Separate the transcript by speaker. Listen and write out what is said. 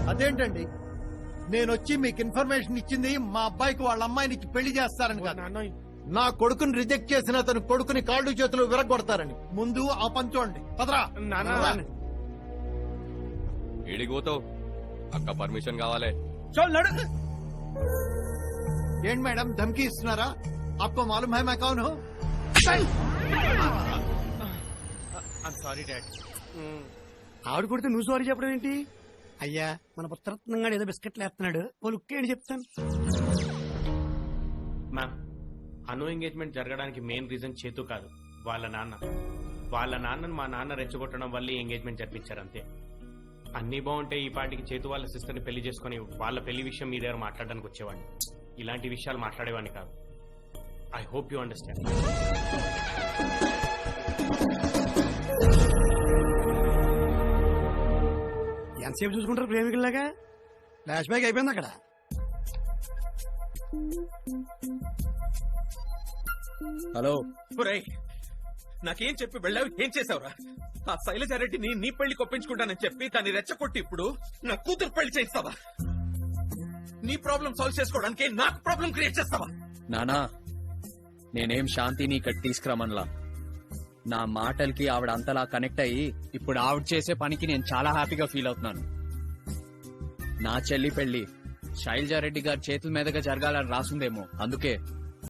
Speaker 1: అదేంటండి, నేను వచ్చి మీకు ఇన్ఫర్మేషన్ ఇచ్చింది మా అబ్బాయికి వాళ్ళ అమ్మాయిని ఇచ్చి పెళ్లి చేస్తారని కాదు. నా కొడుకుని రిజెక్ట్ చేసిన అతను కొడుకుని కాళ్ళు చేతులు విరగొడతారని. ముందు ఆ పని చూడండి. పదరా.
Speaker 2: ఏడిపోతావు? అక్క పర్మిషన్ కావాలి.
Speaker 1: ఏంటి మేడం ధమ్కి ఇస్తున్నారా? आपको मालूम है मैं कौन हूँ?
Speaker 3: Sorry dad.
Speaker 4: ఆవిడ కొడితే నువ్వు సారీ చెప్పడం ఏంటి? అయ్యా మన పుత్రరత్నంగా ఏదో బిస్కెట్లు వేస్తున్నాడు, ఓ లుక్ ఏంటి చెప్తాను.
Speaker 3: మ్యామ్, అను ఎంగేజ్మెంట్ జరగడానికి మెయిన్ రీజన్ చేతు కాదు, వాళ్ళ నాన్న. వాళ్ళ నాన్నను మా నాన్న రెచ్చగొట్టడం వల్ల ఎంగేజ్మెంట్ జరిపించారు అంతే. అన్ని బాగుంటే ఈ పాటికి చేతు వాళ్ళ సిస్టర్ ని పెళ్లి చేసుకుని వాళ్ళ పెళ్లి విషయం మీ దగ్గర మాట్లాడడానికి వచ్చేవాడిని. ఇలాంటి విషయాలు మాట్లాడేవాడిని కాదు. I hope you understand.
Speaker 4: ఎంతసేపు చూసుకుంటారు ప్రేమికుల్లాగా? ఫ్లాష్ బ్యాక్ అయిపోయింది అక్కడ.
Speaker 5: హలో,
Speaker 6: నాకేం చెప్పి వెళ్ళావు? ఏం చేసావురా? ఆ శైలజారెడ్డిని నీ పెళ్లి కొప్పించుకుంటానని చెప్పి దాన్ని రెచ్చగొట్టి ఇప్పుడు నా కూతురు పెళ్లి చేస్తావా? నీ ప్రాబ్లం సాల్వ్ చేసుకోవడానికి నాకు ప్రాబ్లం క్రియేట్ చేస్తావా?
Speaker 5: నానా, నేనేం శాంతిని ఇక్కడ తీసుకురామన్లా. నా మాటలకి ఆవిడ అంతలా కనెక్ట్ అయ్యి ఇప్పుడు ఆవిడ చేసే పనికి నేను చాలా హ్యాపీగా ఫీల్ అవుతున్నాను. నా చెల్లి పెళ్లి శైలజారెడ్డి గారి చేతుల మీదుగా జరగాలని రాసుందేమో, అందుకే